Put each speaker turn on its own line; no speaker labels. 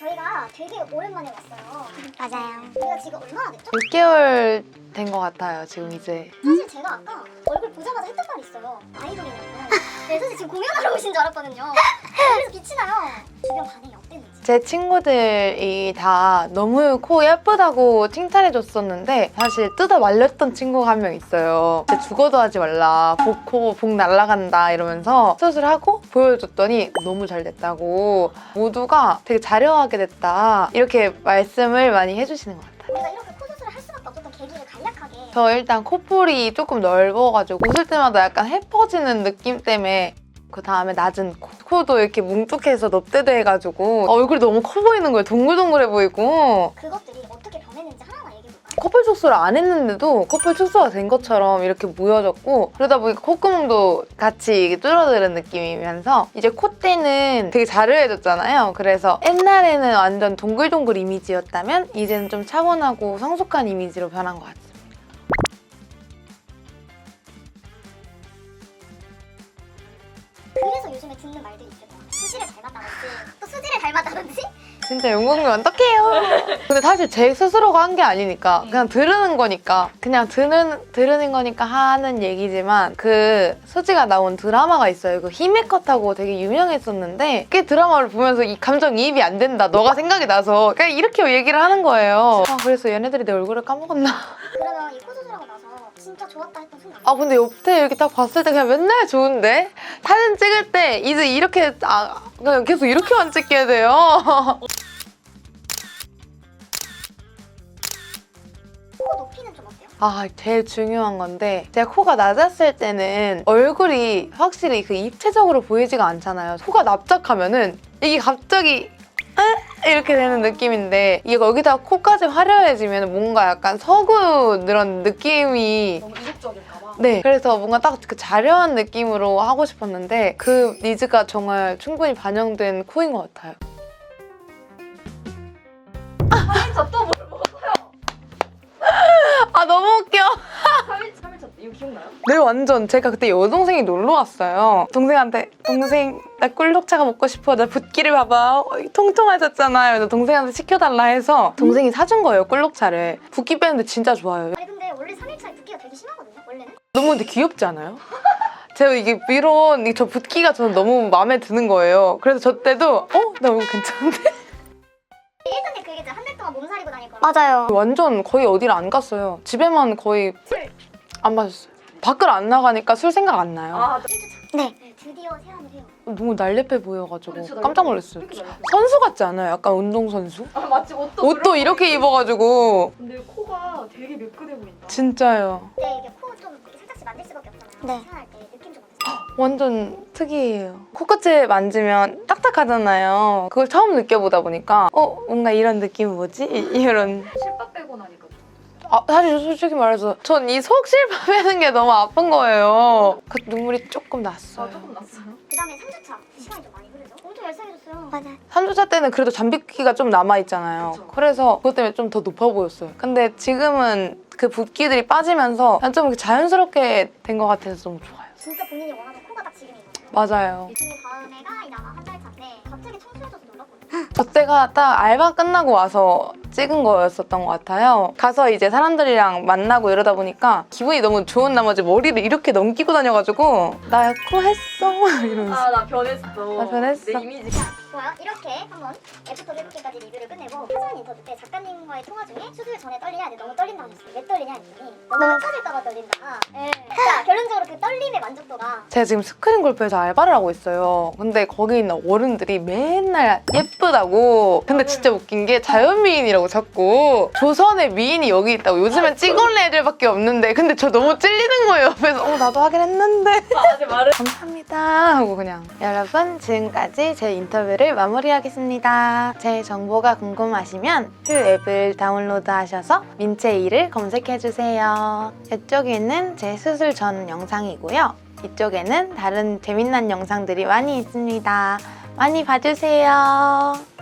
저희가 되게 오랜만에 왔어요.
맞아요.
우리가 지금 얼마나 됐죠?
6개월 된 것 같아요, 지금 이제.
사실 제가 아까 얼굴 보자마자 했던 말이 있어요. 아이돌이냐고. 네, 사실 지금 공연하러 오신 줄 알았거든요. 그래서 빛이 나요. 주변 반응이 어땠는지.
제 친구들이 다 너무 코 예쁘다고 칭찬해줬었는데 사실 뜯어 말렸던 친구가 한 명 있어요. 진짜 죽어도 하지 말라, 복 날라간다 이러면서 수술하고 보여줬더니 너무 잘 됐다고, 모두가 되게 자려하게 됐다 이렇게 말씀을 많이 해주시는 것 같아요.
우리가 이렇게 코 수술을 할 수밖에 없었던 계기를 간략하게.
저 일단 코볼이 조금 넓어가지고 웃을 때마다 약간 해퍼지는 느낌 때문에, 그 다음에 낮은 코도 이렇게 뭉툭해서 넙대대해가지고 얼굴이 너무 커 보이는 거예요. 동글동글해 보이고.
그것들이 어떻게 변했는지 하나만 얘기해볼까요?
커플 축소를 안 했는데도 커플 축소가 된 것처럼 이렇게 모여졌고, 그러다 보니까 콧구멍도 같이 줄어드는 느낌이면서 이제 콧대는 되게 자르해졌잖아요. 그래서 옛날에는 완전 동글동글 이미지였다면 이제는 좀 차분하고 성숙한 이미지로 변한 것 같아요.
그래서 요즘에 듣는 말들이 있을 거야. 수지를 닮았다든지 또 수지를 닮았다든지.
진짜 영국님 어떡해요. 근데 사실 제 스스로가 한 게 아니니까 그냥 들으는 거니까, 그냥 들으는 거니까 하는 얘기지만, 그 수지가 나온 드라마가 있어요. 그 히메컷하고 되게 유명했었는데 그 드라마를 보면서 이 감정이입이 안 된다, 너가 생각이 나서 그냥 이렇게 얘기를 하는 거예요. 그래서 얘네들이 내 얼굴을 까먹었나.
그러면 이 코 수술하고 나서 진짜 좋았다 했던 순간.
근데 옆에 이렇게 딱 봤을 때 그냥 맨날 좋은데? 사진 찍을 때 이제 이렇게 그냥 계속 이렇게만 찍게 돼요.
코 높이는 좀 어때요?
제일 중요한 건데, 제가 코가 낮았을 때는 얼굴이 확실히 그 입체적으로 보이지가 않잖아요. 코가 납작하면은 이게 갑자기 이렇게 되는 느낌인데, 이게 여기다가 코까지 화려해지면 뭔가 약간 서구 그런 느낌이
너무 이국적일까 봐.
네, 그래서 뭔가 딱 그 자려한 느낌으로 하고 싶었는데 그 니즈가 정말 충분히 반영된 코인 것 같아요.
저 또 뭘 먹었어요?
너무 웃겨.
3일차 때 이거 기억나요?
네, 완전. 제가 그때 여동생이 놀러 왔어요. 동생한테 동생 나 꿀녹차가 먹고 싶어, 나 붓기를 봐봐, 통통해졌잖아요. 그래서 동생한테 시켜달라 해서 동생이 사준 거예요, 꿀녹차를. 붓기 빼는데 진짜 좋아요.
아니 근데 원래 3일차에 붓기가 되게 심하거든요. 원래는.
너무 근데 귀엽지 않아요? 제가 이게 이런 저 붓기가 저는 너무 마음에 드는 거예요. 그래서 저 때도 나 이거 괜찮은데?
1단계 그 얘기죠. 한 달 동안 몸살이고 다닐 거라.
맞아요.
완전 거의 어디를 안 갔어요. 집에만 거의 안 마셨어요. 밖을 안 나가니까 술 생각 안 나요.
네, 드디어 세안을 해요.
너무 날렵해 보여가지고
진짜
깜짝 놀랐어요.
이렇게 날렵해.
선수 같지 않아요? 약간 운동선수?
맞지,
옷도 이렇게 입어가지고.
근데 코가 되게 매끈해 보인다.
진짜요.
근데 이게 코 좀 살짝씩 만질 수밖에 없잖아요.
네.
세안할 때 느낌 좀 어떠세요?
완전 특이해요. 코끝을 만지면 딱딱하잖아요. 그걸 처음 느껴보다 보니까 뭔가 이런 느낌 뭐지? 이런.
실밥 빼고 나니까 좀.
사실 솔직히 말해서 전 이 속실밥 빼는 게 너무 아픈 거예요. 그 눈물이 조금 났어요.
조금 났어요.
그 다음에 3주차 시간이 좀 많이 흐르죠? 엄청 얄쌍해졌어요.
맞아요.
3주차 때는 그래도 잠비기가 좀 남아있잖아요.
그쵸.
그래서 그것 때문에 좀 더 높아 보였어요. 근데 지금은 그 붓기들이 빠지면서 좀 이렇게 자연스럽게 된 것 같아서 너무 좋아요.
진짜 본인이 원하던 코가 딱 지금이거든요.
맞아요.
이 친구 다음에가 이제 아마 한 달 차인데 갑자기 청소해져서 놀랐거든요.
저 때가 딱 알바 끝나고 와서 찍은 거였었던 것 같아요. 가서 이제 사람들이랑 만나고 이러다 보니까 기분이 너무 좋은 나머지 머리를 이렇게 넘기고 다녀가지고 나 코 했어? 이러면서.
나 변했어.
나 변했어.
내 이미지.
좋아요. 이렇게 한번 애프터 이렇게까지 리뷰를 끝내고 사전 인터뷰 때 작가님과의 통화 중에 수술 전에 떨리냐 했는데 너무 떨린다 하셨어요. 왜 떨리냐 했더니 너무 합쳐질까봐 떨린다. 네. 자, 결론적으로 그 떨림의 만족도가
제가 지금 스크린 골프에서 알바를 하고 있어요. 근데 거기 있는 어른들이 맨날 예쁘다고. 근데 진짜 웃긴 게 자연미인이라고 자꾸. 조선의 미인이 여기 있다고. 요즘엔 찍어올린 애들밖에 없는데. 근데 저 너무 찔리는 거예요. 옆에서 나도 하긴 했는데.
아직 말을.
감사합니다 하고 그냥. 여러분, 지금까지 제 인터뷰를 마무리하겠습니다. 제 정보가 궁금하시면 퓨 앱을 다운로드 하셔서 민채이를 검색해주세요. 이쪽에는 제 수술 전 영상이고요. 이쪽에는 다른 재미난 영상들이 많이 있습니다. 많이 봐주세요.